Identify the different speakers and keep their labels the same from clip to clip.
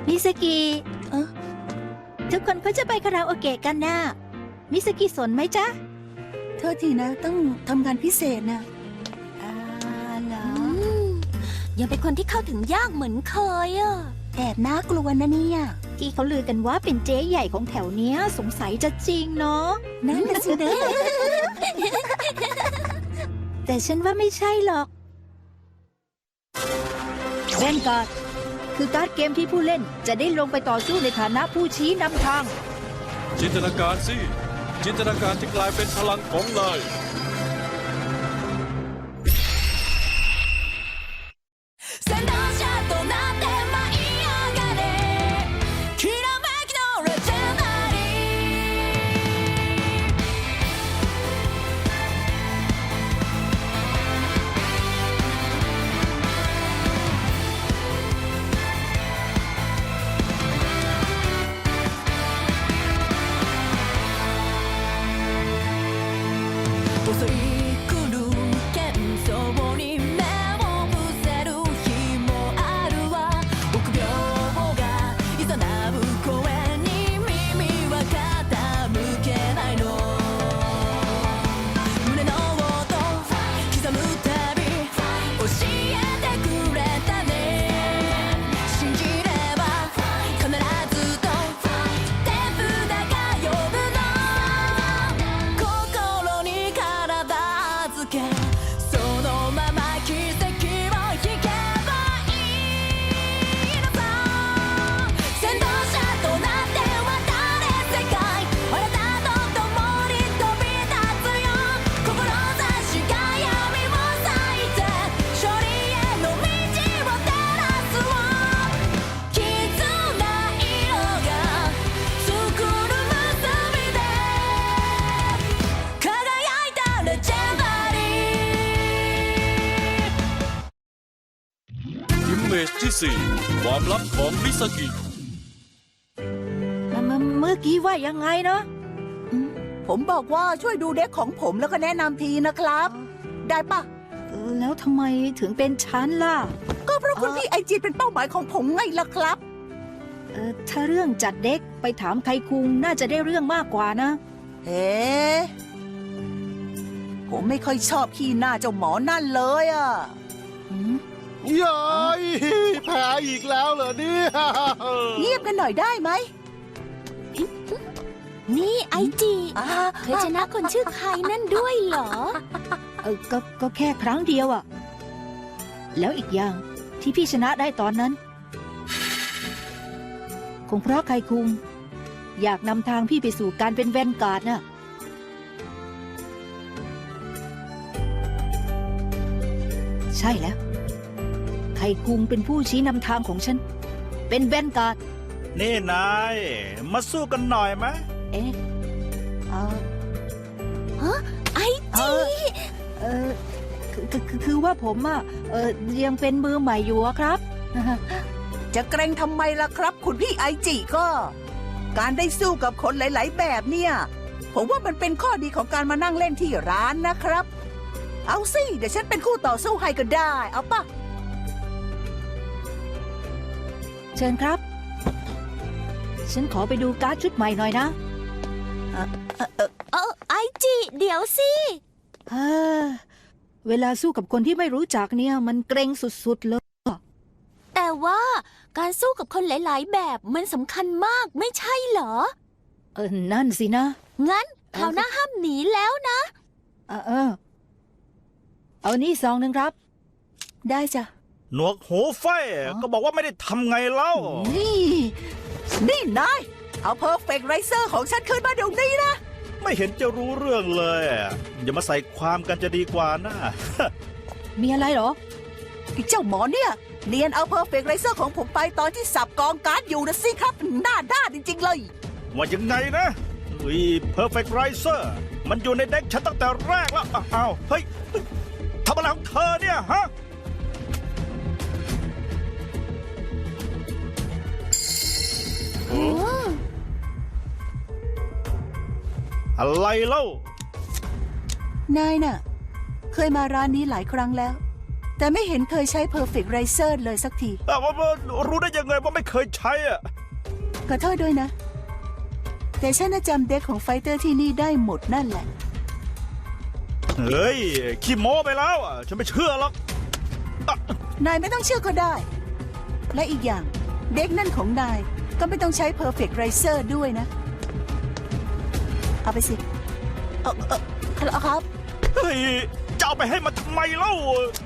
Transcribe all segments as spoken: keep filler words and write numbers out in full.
Speaker 1: มิสกิ
Speaker 2: เอ้อ
Speaker 1: ทุกคนเขาจะไปคาราโอเกะกันนะมิสกิสนไหมจ๊ะ
Speaker 2: โทษทีนะต้องทำงานพิเศษนะ
Speaker 1: อ่าเหรอ
Speaker 3: ยังเป็นคนที่เข้าถึงยากเหมือนเคยอ่ะ
Speaker 2: แอบน่ากลัวนะเนี่ย
Speaker 1: ที่เขาลือกันว่าเป็นเจ๊ใหญ่ของแถวเนี้ยสงสัยจะจริงเนาะ
Speaker 2: นั่นน่ะสินะ
Speaker 1: แต่ฉันว่าไม่ใช่หรอกเล่นการ์ดคือการ์ดเกมที่ผู้เล่นจะได้ลงไปต่อสู้ในฐานะผู้ชี้นำทาง
Speaker 4: จินตนาการสิ จินตนาการที่กลายเป็นพลังของนาย
Speaker 3: 先導者となって舞い上がれきらめきのレジェンダリー襲い来る幻想に目を伏せる日もあるわ臆病がいざなう声に耳は傾けないの胸の音刻むたび教えてくれたね信じれば必ずと手札が呼ぶの心に体預けそのまま奇跡を引けばいいのさ先導者となって渡れ世界あなたと共に飛び立つよ志が闇を裂いて勝利への道を照らすわ絆色が作る結びで輝いたレジェンダリー
Speaker 4: อิมเมจที่สี่ความลับของมิสกิ
Speaker 1: มมเมื่อกี้ว่ายังไงเนาะ
Speaker 2: ผมบอกว่าช่วยดูเด็กของผมแล้วก็แนะนำทีนะครับ ได้ปะ
Speaker 1: เออแล้วทำไมถึงเป็นฉันล่ะ
Speaker 2: ก็เพราะคุณพี่ไอจีเป็นเป้าหมายของผมไงล่ะครับ
Speaker 1: เออถ้าเรื่องจัดเด็กไปถามใครคุงน่าจะได้เรื่องมากกว่านะ
Speaker 2: เอ๊ะผมไม่ค่อยชอบขี้หน้าเจ้าหมอนั่นเลยอ่ะ
Speaker 5: ยายแพ้อีกแล้วเหรอเนี่ย
Speaker 2: เงียบกันหน่อยได้ไหม
Speaker 3: นี่ไอจี
Speaker 2: อ่า
Speaker 3: เคยชนะคนชื่อใครนั่นด้วยเหรอ
Speaker 1: เออก็ก็แค่ครั้งเดียวอะแล้วอีกอย่างที่พี่ชนะได้ตอนนั้น คงเพราะใครคุง อยากนำทางพี่ไปสู่การเป็นแวนการ์ดน่ะ ใช่แล้ว ไคคุงเป็นผู้ชี้นำทางของฉัน เป็นแวนการ์ด
Speaker 6: นี่นาย มาสู้กันหน่อยไหม
Speaker 1: เอ๊ะเออ
Speaker 3: ไอ
Speaker 1: เอ
Speaker 3: จี
Speaker 1: อเออคือคือคือคือว่าผมอะเออยังเป็นมือใหม่อยู่อะครับ
Speaker 2: จะเกรงทำไมล่ะครับ คุณพี่ไอจีก็ การได้สู้กับคนหลาย ๆ แบบเนี่ย ผมว่ามันเป็นข้อดีของการมานั่งเล่นที่ร้านนะครับ เอาสิ เดี๋ยวฉันเป็นคู่ต่อสู้ให้ก็ได้ เอาปะ
Speaker 1: เชิญครับ ฉันขอไปดูการ์ดชุดใหม่หน่อยนะ
Speaker 3: เออไอจีเดี๋ยวสิ
Speaker 1: เฮ้อเวลาสู้กับคนที่ไม่รู้จักเนี่ย มันเกรงสุดๆเลย
Speaker 3: แต่ว่าการสู้กับคนหลาย ๆ แบบมันสำคัญมากไม่ใช่เหรอ
Speaker 1: เออ นั่นสินะ
Speaker 3: งั้นคราวหน้าห้ามหนีแล้วนะ
Speaker 1: เออเออเอานี่ซองหนึ่งครับ
Speaker 2: ได้จ้ะ
Speaker 6: หนวกหูไฟก็บอกว่าไม่ได้ทำไงเล่า
Speaker 2: นี่ นี่นาย เอาเพอร์เฟกต์ไรเซอร์ของฉันขึ้นมาเดี๋ยวนี้นะ
Speaker 6: ไม่เห็นจะรู้เรื่องเลย อย่ามาใส่ความกันจะดีกว่านะ
Speaker 1: มีอะไรเหรอ
Speaker 2: ไอ้เจ้าหมอเนี่ยเนียนเอาเพอร์เฟกต์ไรเซอร์ของผมไปตอนที่สับกองการ์ดอยู่นะสิครับ หน้าด้านจริง ๆ เลย
Speaker 6: ว่ายังไงนะอุ้ย Perfect Riser มันอยู่ในเด็กฉันตั้งแต่แรกแล้ว อ้าวเฮ้ยทำอะไรของเธอเนี่ยฮะ อะไรเล่า
Speaker 2: นายน่ะ เคยมาร้านนี้หลายครั้งแล้วแต่ไม่เห็นเคยใช้ Perfect Riser เลยสักที
Speaker 6: แต่ว่าว่ารู้ได้ยังไงว่าไม่เคยใช้อ่ะ
Speaker 2: ขอโทษด้วยนะ แต่ฉันน่ะจำเด็กของไฟเตอร์ที่นี่ได้หมดนั่นแหละ
Speaker 6: เฮ้ย ขี้โม้ไปแล้วอ่ะ ฉันไม่เชื่อหรอกอ่ะ
Speaker 2: นายไม่ต้องเชื่อก็ได้ และอีกอย่างเด็กนั่นของนายก็ไม่ต้องใช้ Perfect Riser ด้วยนะ เอาไปสิ เออเออครับ
Speaker 6: เฮ้ย จะเอาไปให้มันทำไมเล่า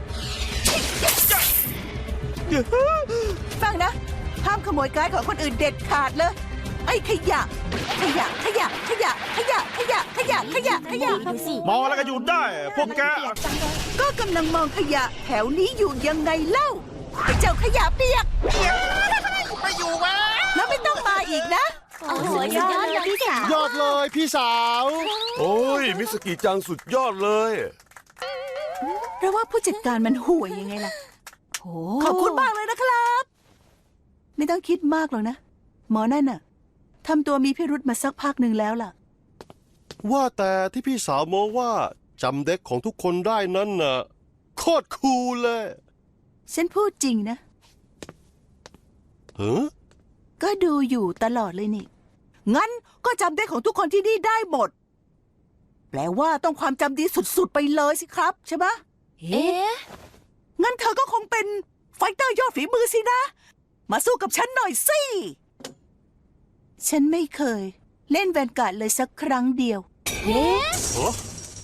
Speaker 2: ฟังนะ ห้ามขโมยการ์ดของคนอื่นเด็ดขาดเลย ไอ้ขยะ ขยะ ขยะ ขยะ ขยะ ขยะ ขยะ ขยะ ขยะ
Speaker 3: ดูสิ
Speaker 6: มองอะไรก็อยู่ได้ พวกแก
Speaker 2: ก็กำลังมองขยะแถวนี้อยู่ยังไงเล่าไอ้เจ้าขยะเปียก
Speaker 5: ไม่อยู่วะ
Speaker 2: แล้วไม่ต้องมาอีกนะ
Speaker 3: โอ้โหสุดยอดเลยพี่สาวย
Speaker 5: อดเลยพี่สาว
Speaker 7: โอ้ย มิสกิจังสุดยอดเลย
Speaker 2: เพราะว่าผู้จัดการมันห่วยยังไงล่ะ
Speaker 1: โอ้
Speaker 2: ขอบคุณมากเลยนะครับ ไม่ต้องคิดมากหรอกนะ หมอนั่นน่ะทำตัวมีพิรุธมาสักพักหนึ่งแล้วล่ะ
Speaker 5: ว่าแต่ที่พี่สาวโมว่าจำเด็กของทุกคนได้นั่นน่ะโคตรคูลเลย
Speaker 2: ฉันพูดจริงนะ
Speaker 5: เฮ้อ
Speaker 2: ก็ดูอยู่ตลอดเลยนี่ งั้นก็จำได้ของทุกคนที่นี่ได้หมด แปลว่าต้องความจำดีสุดๆไปเลยสิครับใช่ไหม
Speaker 1: เอ๊ะ
Speaker 2: งั้นเธอก็คงเป็นไฟเตอร์ยอดฝีมือสินะ มาสู้กับฉันหน่อยสิ ฉันไม่เคย เล่นแวนการ์ดเลยสักครั้งเดียว
Speaker 1: เอ๊ะ
Speaker 5: เหรอ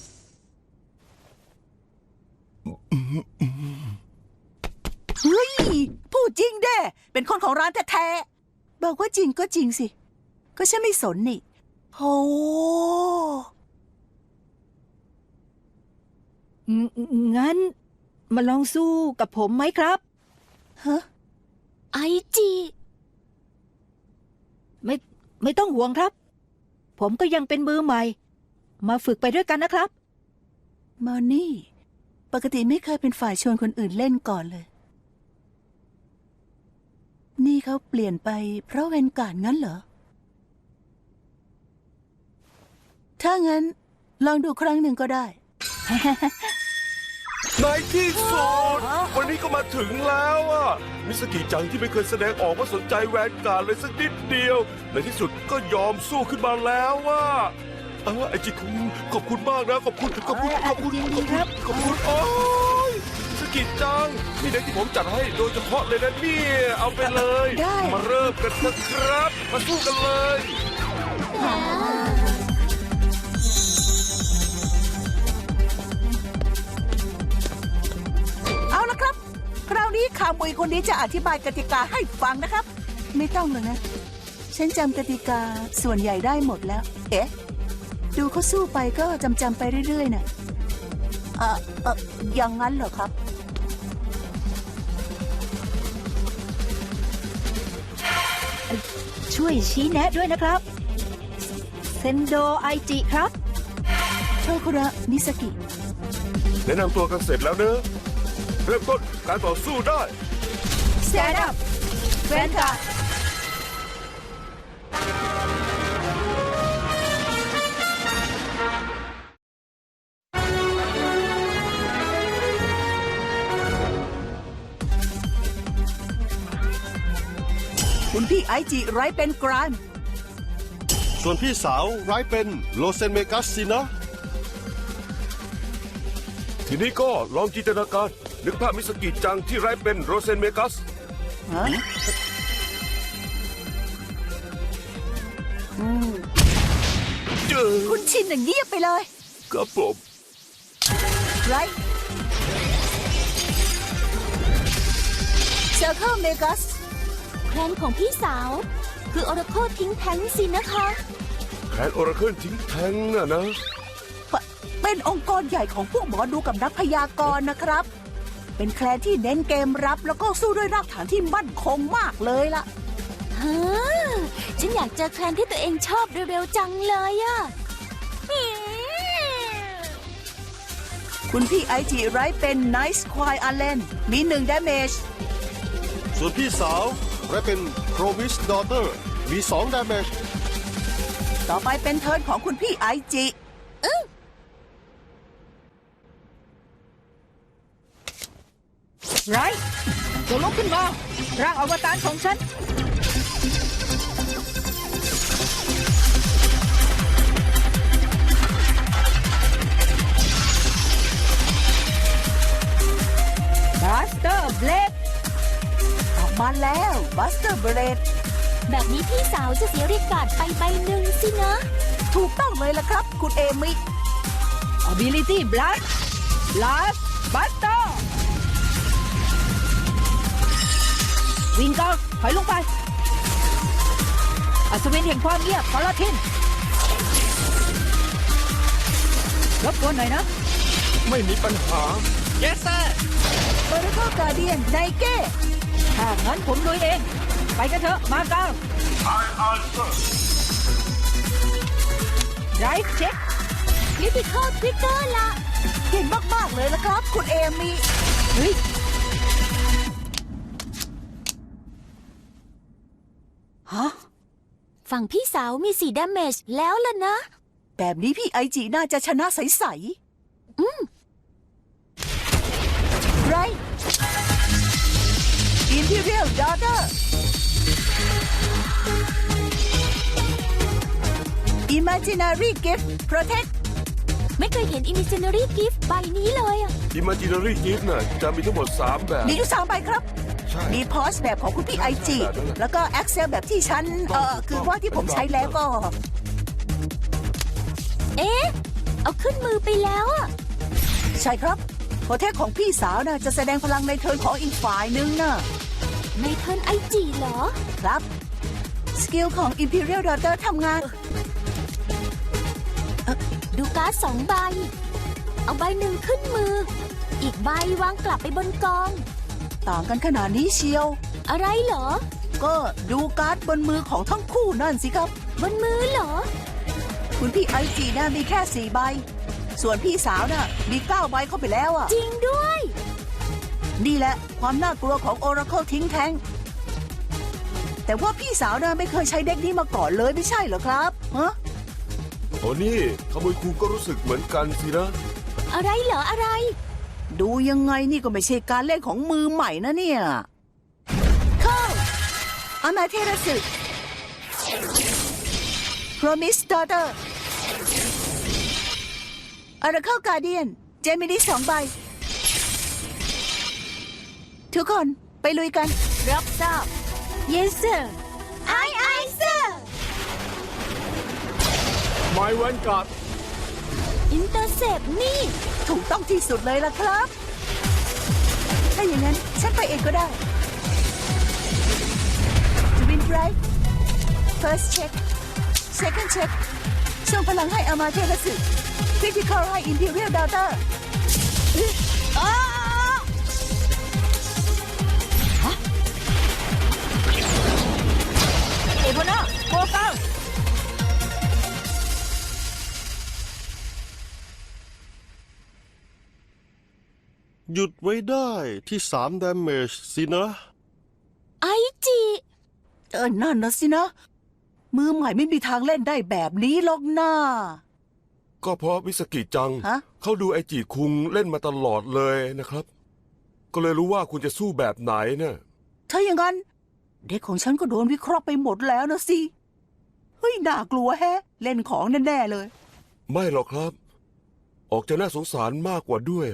Speaker 2: เฮ้ย พูดจริงเด้ เป็นคนของร้านแท้ๆ บอกว่าจริงก็จริงสิ ก็ฉันไม่สนนี่โอ้
Speaker 1: งงั้น มาลองสู้กับผมไหมครับ
Speaker 2: ฮะ
Speaker 3: ไอจี
Speaker 1: ไม่ไม่ต้องห่วงครับ ผมก็ยังเป็นมือใหม่ มาฝึกไปด้วยกันนะครับ
Speaker 2: มอนี่ ปกติไม่เคยเป็นฝ่ายชวนคนอื่นเล่นก่อนเลย นี่เขาเปลี่ยนไปเพราะเวนการ์ดงั้นเหรอ ถ้างั้น ลองดูครั้งหนึ่งก็ได้
Speaker 7: ในที่สุดวันนี้ก็มาถึงแล้วอ่ะ มิสกิจังที่ไม่เคยแสดงออกว่าสนใจแวนการ์ดเลยสักนิดเดียว ในที่สุดก็ยอมสู้ขึ้นมาแล้วว่าเออไอจิคุงขอบคุณมากนะ ขอบคุณ ขอบคุณ ขอบคุณ
Speaker 1: ยิน
Speaker 7: ข
Speaker 1: ดี
Speaker 7: อบ
Speaker 1: ค
Speaker 7: คุ
Speaker 1: รั
Speaker 7: ณ
Speaker 1: บ
Speaker 7: ขอบคุณ โอ้ยมิสกิจัง นี่เด็กที่ผมจัดให้โดยเฉพาะเลยนะเนี่ย เอาไปเลย
Speaker 2: ได้
Speaker 7: มาเริ่มกันเถอะครับ มาสู้กันเลย
Speaker 2: เอาละครับ คราวนี้ขามุยคนนี้จะอธิบายกติกาให้ฟังนะครับ ไม่ต้องเลยนะ ฉันจำกติกาส่วนใหญ่ได้หมดแล้ว เอ๊ะ ดูเขาสู้ไปก็จำจำๆไปเรื่อยๆน่ะเออเอออย่างนั้นเหรอครับ
Speaker 1: ช่วยชี้แนะด้วยนะครับ เซนโดไอจิครับ
Speaker 2: โชคุระมิสกิ
Speaker 7: แนะนำตัวกันเสร็จแล้วเนอะ เริ่มต้นการต่อสู้ได้
Speaker 2: Stand up แวนการ์ดคุณพี่ไอจิไรเป็นกราน
Speaker 5: ส่วนพี่สาวร้ายเป็นโลเซนเมกัสสินะ
Speaker 7: ทีนี้ก็ลองจินตนาการ นึกภาพมิสกิจังที่ไร้เป็นโรเซนเมกัส
Speaker 2: ฮะอืม
Speaker 7: เจอ
Speaker 2: คุณชินน่ะเงียบไปเลย
Speaker 7: ครับผม
Speaker 2: ไรเซอร์เคิลเมกัส
Speaker 3: แคลนของพี่สาว คือออร์โคทิ้งแท้งสินะคะ
Speaker 7: แคนโอราเคิลทิ้งแทงน่ะนะ
Speaker 2: เป็นองค์กรใหญ่ของพวกหมอดูกับนักพยากรณ์นะครับ เป็นแคลนที่เน้นเกมรับแล้วก็สู้ด้วยรากฐานที่มั่นคงมากเลยล่ะ
Speaker 3: ฮะ ฉันอยากเจอแคลนที่ตัวเองชอบเร็วๆจังเลยอะ
Speaker 2: คุณพี่ไอจิไรเป็นไนซ์ควายอาเลนมีหนึ่งดาเมจ
Speaker 5: ส่วนพี่สาวร้ายเป็นโครมิสดอเตอร์มีสองดาเมจ
Speaker 2: ต่อไปเป็นเทิร์นของคุณพี่ไอจิ
Speaker 1: ไรจงลุกขึ้นมาร่างอวตารของฉัน บัสเตอร์เบลด
Speaker 2: ออกมาแล้วบัสเตอร์เบรด
Speaker 3: แบบนี้พี่สาวจะเสียเรียกการ์ดไปใบหนึ่งสินะ
Speaker 2: ถูกต้องเลยล่ะครับ คุณเอมิ
Speaker 1: Ability Blast Blast Buster วิ่งก่อนถอยลงไป อัศวินแห่งความเงียบพอลทินรบกวนหน่อยนะ
Speaker 7: ไม่มีปัญหา
Speaker 4: yes sir
Speaker 2: โอราเคิลการเดียนไนเก้
Speaker 1: ถ้างั้นผมลุยเอง ไปกันเถอะ มาเก้าไรเช็ค
Speaker 3: Critical Trigger ละ
Speaker 2: เก่งมาก ๆ เลยละครับ คุณเอมิ
Speaker 1: เฮ้ย
Speaker 2: ฮะ
Speaker 3: ฝั่งพี่สาวมีสี่ damage แล้วล่ะนะ
Speaker 2: แบบนี้พี่ไอจีน่าจะชนะใส ๆ อืมไร Imperial Daughter Imaginary Gift Protect
Speaker 3: ไม่เคยเห็น Imaginary Gift ใบนี้เลยอะ
Speaker 7: Imaginary Gift น่ะจะมีทั้งหมดสามแบบ
Speaker 2: มีอยู่สามใบครับ
Speaker 7: ใช่
Speaker 2: มีพอสแบบของคุณพี่ไอจี แล้วก็ Excel แบบที่ฉัน เอ่อ คือว่าที่ผมใช้แล้วก็
Speaker 3: เอ๊ะ เอาขึ้นมือไปแล้วอะ
Speaker 2: ใช่ครับโปรเทคของพี่สาวน่ะจะแสดงพลังในเทิร์นของอีกฝ่ายนึงน่ะ
Speaker 3: ในเทิร์นไอจีเหรอ
Speaker 2: ครับ สกิลของ Imperial Daughter ทำงาน
Speaker 3: ดูการ์ดสองใบ เอาใบหนึ่งขึ้นมือ อีกใบวางกลับไปบนกอง
Speaker 2: ต่างกันขนาดนี้เชียว
Speaker 3: อะไรเหรอ
Speaker 2: ก็ดูการ์ดบนมือของทั้งคู่นั่นสิครับ
Speaker 3: บนมือเหรอ
Speaker 2: คุณพี่ไอจีน่ะมีแค่สี่ใบ ส่วนพี่สาวน่ะมีเก้าใบเข้าไปแล้วอ่ะ
Speaker 3: จริงด้วย
Speaker 2: นี่แหละความน่ากลัวของ Oracle ทิ้งแทง แต่ว่าพี่สาวน่ะไม่เคยใช้เด็กนี้มาก่อนเลยไม่ใช่เหรอครับฮะ
Speaker 7: โอ้นี่ขโมยคูก็รู้สึกเหมือนกันสินะ
Speaker 3: อะไรเหรออะไร
Speaker 2: ดูยังไงนี่ก็ไม่ใช่การเล่นของมือใหม่นะเนี่ย เข้าอามาเทราสึ Promise Daughter Oracle Guardian เจมินีสองใบ ทุกคนไปลุยกัน
Speaker 1: รับทราบ
Speaker 3: Yes sir ไอไอ sir
Speaker 6: My Vanguard
Speaker 3: อินเตอร์เซปนี่
Speaker 2: ถูกต้องที่สุดเลยล่ะครับ ถ้าอย่างนั้น ฉันไปเองก็ได้ Twin Drive First check Second check ส่งพลังให้อามาเทราสึ Critical ให้ Imperial Daughter
Speaker 1: อ้าฮะเอโบนาโกเก้า
Speaker 5: หยุดไว้ได้ที่สาม damage สินะ
Speaker 3: ไอจี
Speaker 2: เออนั่นนะสินะ มือใหม่ไม่มีทางเล่นได้แบบนี้หรอกนะ
Speaker 7: ก็เพราะมิสกิจัง
Speaker 2: ฮะ
Speaker 7: เขาดูไอจีคุงเล่นมาตลอดเลยนะครับ ก็เลยรู้ว่าคุณจะสู้แบบไหนเนี่ย
Speaker 2: ถ้าอย่างนั้น เด็กของฉันก็โดนวิเคราะห์ไปหมดแล้วนะสิ เฮ้ย น่ากลัวแฮะ เล่นของแน่ๆเลย
Speaker 7: ไม่หรอกครับ ออกจะน่าสงสารมากกว่าด้วย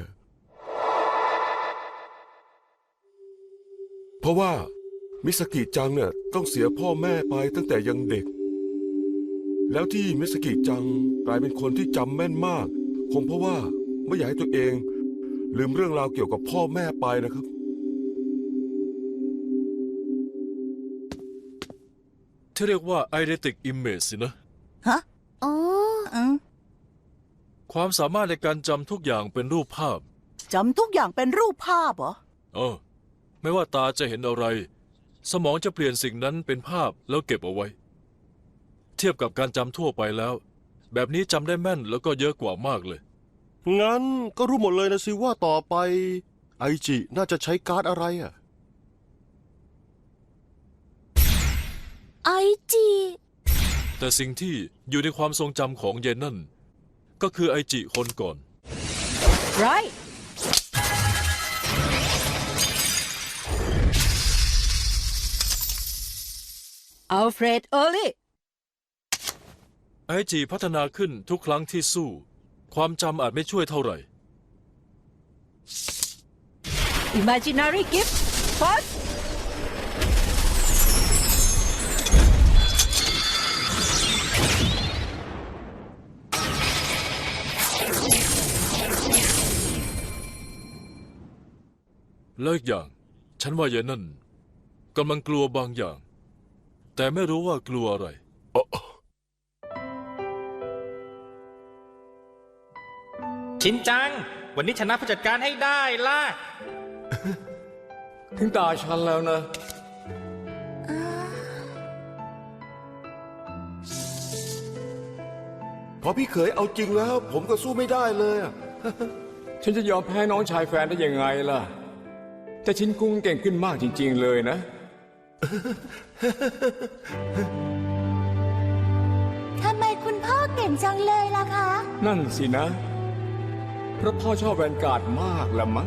Speaker 7: เพราะว่ามิสกิจังเนี่ยต้องเสียพ่อแม่ไปตั้งแต่ยังเด็ก แล้วที่มิสกิจังกลายเป็นคนที่จำแม่นมาก คงเพราะว่าไม่อยากให้ตัวเอง ลืมเรื่องราวเกี่ยวกับพ่อแม่ไปนะครับ
Speaker 4: ที่เรียกว่า eidetic image สินะ
Speaker 2: ฮะ
Speaker 3: อ๋อ
Speaker 2: อืม
Speaker 4: ความสามารถในการจำทุกอย่างเป็นรูปภาพ
Speaker 2: จำทุกอย่างเป็นรูปภาพเหรอ
Speaker 4: เออ ไม่ว่าตาจะเห็นอะไร สมองจะเปลี่ยนสิ่งนั้นเป็นภาพแล้วเก็บเอาไว้ เทียบกับการจำทั่วไปแล้ว แบบนี้จำได้แม่นแล้วก็เยอะกว่ามากเลย
Speaker 5: งั้นก็รู้หมดเลยนะสิว่าต่อไปไอจิน่าจะใช้การ์ดอะไรอ่ะ
Speaker 3: ไอจี
Speaker 4: แต่สิ่งที่อยู่ในความทรงจำของเยนนั่นก็คือไอจิคนก่อน
Speaker 1: ไรอัลเฟรด เออร์ลี่
Speaker 4: ไอจีพัฒนาขึ้นทุกครั้งที่สู้ ความจำอาจไม่ช่วยเท่าไหร่
Speaker 1: Imaginary Gift First
Speaker 4: แล้วอีกอย่าง ฉันว่ายายนั่นกำลังกลัวบางอย่าง แต่ไม่รู้ว่ากลัวอะไร
Speaker 8: ชินจัง วันนี้ชนะผู้จัดการให้ได้ล่ะ
Speaker 9: ถึงตาฉันแล้วนะ
Speaker 7: พอพี่เขยเอาจริงแล้ว ผมก็สู้ไม่ได้เลยอะ
Speaker 9: ฉันจะยอมแพ้น้องชายแฟนได้ยังไงล่ะ แต่ชินกุ้งเก่งขึ้นมากจริงๆเลยนะ
Speaker 3: ทำไมคุณพ่อเก่งจังเลยล่ะคะ
Speaker 9: นั่นสินะ เพราะพ่อชอบแวนการ์ดมากละมั้ง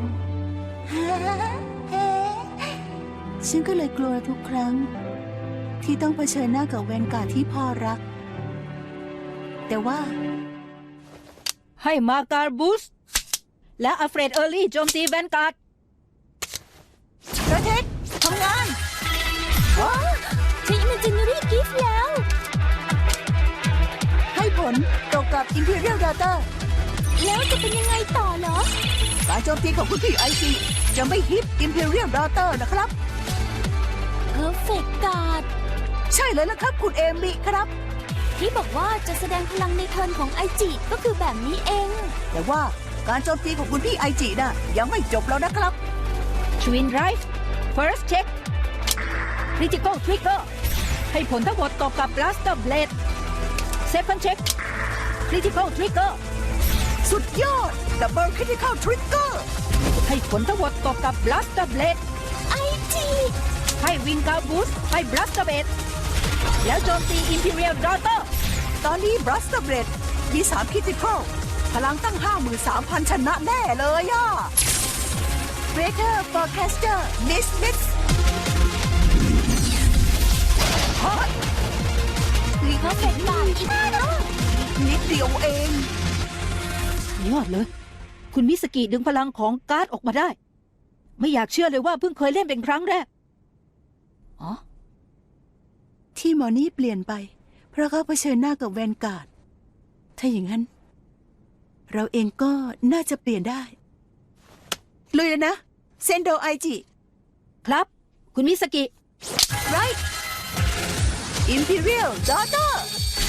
Speaker 2: ฉันก็เลยกลัวทุกครั้ง ที่ต้องเผชิญหน้ากับแวนการ์ดที่พ่อรัก แต่ว่า
Speaker 1: ให้มาการบูส และอัลเฟรด เออร์ลี่โจมตีแวนการ์ด
Speaker 2: ประเทศทำงาน
Speaker 3: ใช้ Imaginary Gift แล้ว
Speaker 2: ให้ผลตกกับ Imperial Data
Speaker 3: แล้วจะเป็นยังไงต่อเหรอ
Speaker 2: การโจมตีของคุณพี่ไอซีจะไม่ฮิต Imperial Data นะครับ
Speaker 3: Perfect Guard
Speaker 2: ใช่เลยละครับคุณเอมิครับ
Speaker 3: ที่บอกว่าจะแสดงพลังในเทิร์นของไอจิก็คือแบบนี้เอง
Speaker 2: แต่ว่าการโจมตีของคุณพี่ไอจีน่ะยังไม่จบแล้วนะครับ
Speaker 1: Twin Drive First Check Critical Trigger ให้ผลทั้งหมดตกกับ Blaster Blade Second Check Critical Trigger
Speaker 2: สุดยอด Double Critical Trigger
Speaker 1: ให้ผลทั้งหมดตกกับ Blaster Blade
Speaker 3: ไอจิ
Speaker 1: ให้วิงการบูสให้ Blaster Blade แล้วโจมตี Imperial Daughter
Speaker 2: ตอนนี้ Blaster Blade มีสาม Critical พลังตั้ง ห้าหมื่นสามพัน ชนะแน่เลยอ่ะ Breaker Forecaster Miss Miss ฮะ
Speaker 3: Perfect Guard อีกแล้ว
Speaker 2: นิดเดียวเอง
Speaker 1: ยอดเลย คุณมิสกิดึงพลังของการ์ดออกมาได้ ไม่อยากเชื่อเลยว่าเพิ่งเคยเล่นเป็นครั้งแรก อ๋อ
Speaker 2: ที่หมอนี่เปลี่ยนไป เพราะเขาเผชิญหน้ากับแวนการ์ด ถ้าอย่างนั้น เราเองก็น่าจะเปลี่ยนได้ เลยแล้วนะ เซนโดไอจิ
Speaker 1: ครับ คุณมิสกิ
Speaker 2: ไรอิมพีเรียลดอเตอร์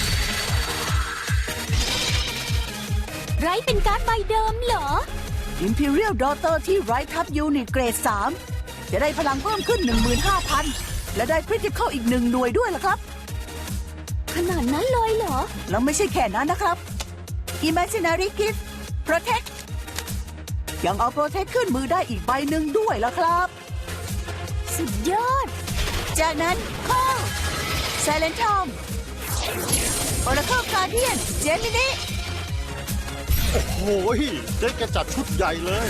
Speaker 3: ไรเป็นการ์ดใบเดิมเหรอ
Speaker 2: อิมพีเรียลดอเตอร์ที่ไรทับยูนิตเกรด สาม จะได้พลังเพิ่มขึ้น หนึ่งหมื่นห้าพัน และได้คริติคอลอีกหนึ่งหน่วยด้วยล่ะครับ
Speaker 3: ขนาดนั้นเลยเหรอ
Speaker 2: แล้วไม่ใช่แค่นั้นนะครับ Imaginary Gift Protect ยังเอา Protect ขึ้นมือได้อีกใบหนึ่งด้วยล่ะครับ
Speaker 3: สุดยอด
Speaker 2: จากนั้น Call Silent Tom Oracle Guardian Gemini
Speaker 5: โอ้โหเจ๊แกจัดชุดใหญ่เลย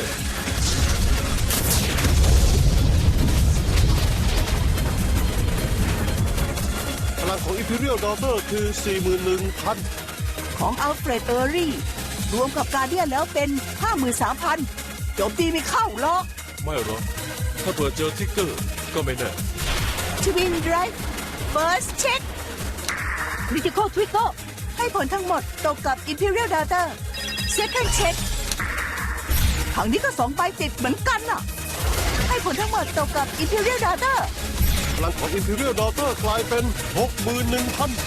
Speaker 5: พลังของ Imperial Daughter คือ สี่หมื่นหนึ่งพัน
Speaker 2: ของ Alfred e r y รวมกับ Guardian แล้วเป็น ห้าหมื่นสามพัน โจมตีไม่เข้าหรอก
Speaker 4: ไม่หรอก ถ้าเปิดเจอทิกเกอร์ก็ไม่แน่
Speaker 2: Twin Drive First Check
Speaker 1: Critical Trigger
Speaker 2: ให้ผลทั้งหมดตกกับ Imperial Data Second Check ครั้งนี้ก็สองใบติดเหมือนกันน่ะ ให้ผลทั้งหมดตกกับ Imperial Data
Speaker 5: พลังของ Imperial Daughter กลายเป็น หกหมื่นหนึ่งพัน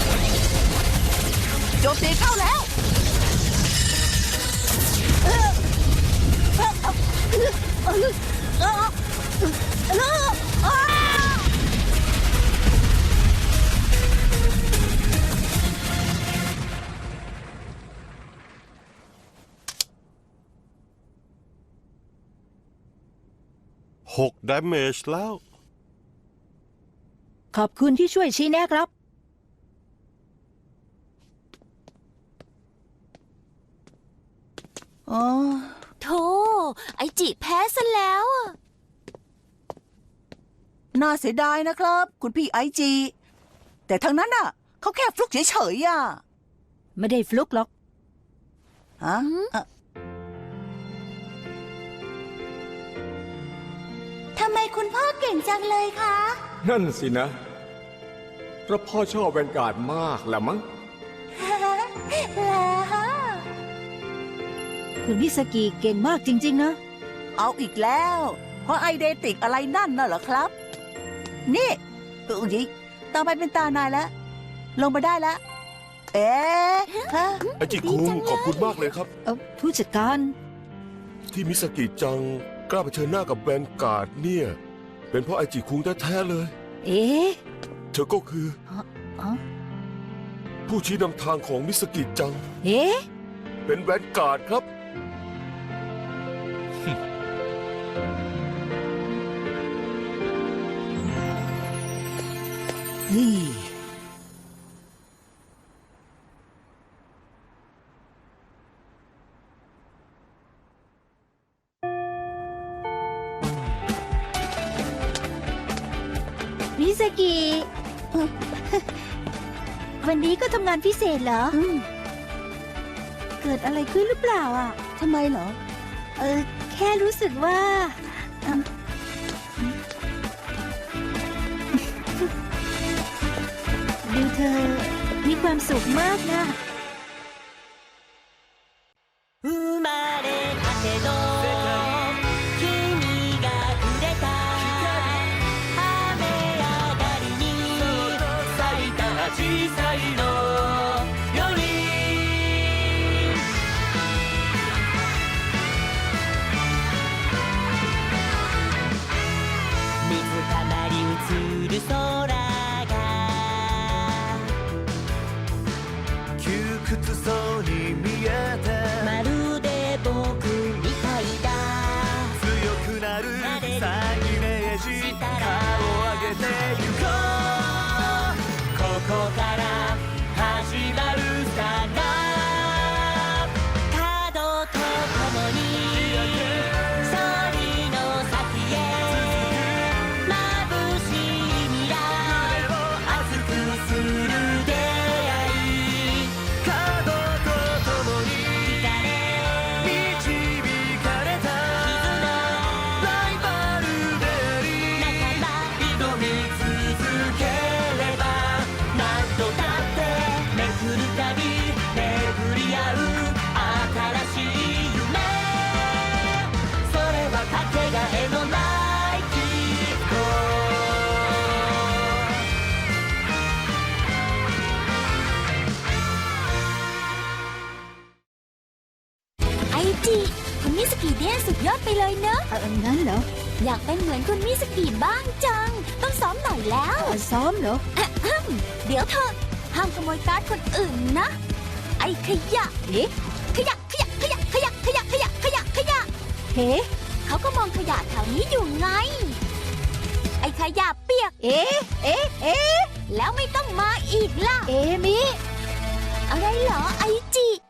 Speaker 2: โจมตีเข้าแล้วเออเออเออเออเออเออเออ
Speaker 5: หก damage แล้ว
Speaker 1: ขอบคุณที่ช่วยชี้แนะครับ
Speaker 2: อ๋อ
Speaker 3: โธ่ไอจิแพ้ซะแล้วอะ
Speaker 2: น่าเสียดายนะครับ คุณพี่ไอจีแต่ทั้งนั้นน่ะเขาแค่ฟลุกเฉยๆอ่ะ
Speaker 1: ไม่ได้ฟลุกหรอก
Speaker 2: ฮะอ่ะ
Speaker 3: ทำไมคุณพ่อเก่งจังเลยคะ
Speaker 9: นั่นสินะเพราะพ่อชอบแวนการ์ดมากแหละมั้ง
Speaker 1: คุณมิสกิเก่งมากจริง ๆ นะ
Speaker 2: เอาอีกแล้ว เพราะไอเดติกอะไรนั่นน่ะเหรอครับ นี่อุ้ยต่อไปเป็นตานายแล้ว ลงมาได้แล้ว เอ๊ะฮะ
Speaker 7: ไอจิคุงขอบคุณมากเลยครับ
Speaker 1: เออผู้จัดการ
Speaker 7: ที่มิสกิจังกล้าเผชิญหน้ากับแวนการ์ดเนี่ย เป็นเพราะไอจิคุงแท้ๆเลย
Speaker 1: เอ๊ะ
Speaker 7: เธอก็คือ
Speaker 1: อ๋อ
Speaker 7: ผู้ชี้นำทางของมิสกิจัง
Speaker 1: เอ๊ะ
Speaker 7: เป็นแวนการ์ดครับ
Speaker 2: นี่
Speaker 1: มิสกิ วันนี้ก็ทำงานพิเศษเหรอ เกิดอะไรขึ้นหรือเปล่าอ่ะ
Speaker 2: ทำไมเหรอ
Speaker 1: เออ แค่รู้สึกว่าอืมดูเธอมีความสุขมากนะ
Speaker 3: 生まれたての君がくれた雨上がりに咲いた紫陽花のより水たまり映る空が窮屈そうに見えてまるで僕みたいだ強くなるさイメージ顔を上げてゆこうここから始まるさな角とともに勝利の先へ眩しい未来を熱くする出会い角とともに導かれたライバルであり挑み続ければ何度だってめくるたび巡り合う新しい夢それはかけがえのないきっとไอจิคุณมิสกิเดนสุดยอดไปเลยเนอะ
Speaker 1: เอองั้นเหรอ
Speaker 3: อยากเป็นเหมือนคุณมิสกิบ้างจัง ต้องซ้อมหน่อยแล้ว
Speaker 1: เออซ้อมเหรอ
Speaker 3: เดี๋ยวเถอะห้ามขโมยการ์ดคนอื่นนะ ไอ้ขยะ
Speaker 1: เอ๊ะ
Speaker 3: ขยะขยะขยะขยะขยะขยะขยะขยะ
Speaker 1: เฮ้
Speaker 3: เขาก็มองขยะแถวนี้อยู่ไง ไอ้ขยะเปียก
Speaker 1: เอ๊ะ เอ๊ะ เอ๊ะ
Speaker 3: แล้วไม่ต้องมาอีกล่ะ
Speaker 1: เอมิ
Speaker 3: อะไรเหรอไอจิ